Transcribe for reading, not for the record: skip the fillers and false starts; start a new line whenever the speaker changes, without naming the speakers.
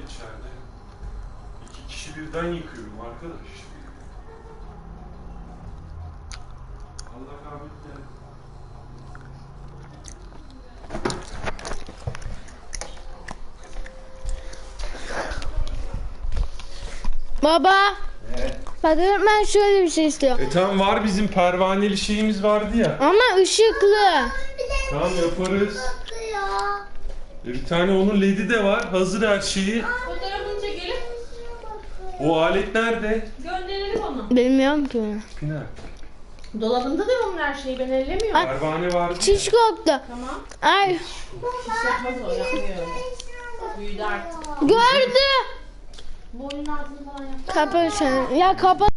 içeride. 2 kişi birden yıkıyorum arkadaş. Allah rahmet eylesin.
Baba. Bak ben şöyle bir şey istiyorum.
Tamam, var bizim pervaneli şeyimiz vardı ya.
Ama ışıklı.
Tamam, yaparız. Bir tane onun ledi de var. Hazır her şeyi.
Fotoğrafını çekelim.
O alet nerede?
Gönderelim onu.
Bilmiyorum ki.
Pınar.
Dolabında da onun her şeyi, ben ellemiyorum.
Pervane vardı.
Çiş koktu.
Tamam.
Ay.
Hiç yapmaz o, yapmıyor öyle. Büyüdü artık.
Gördü.
Boynun altını falan yap.
Kapat sen. Ya kapat.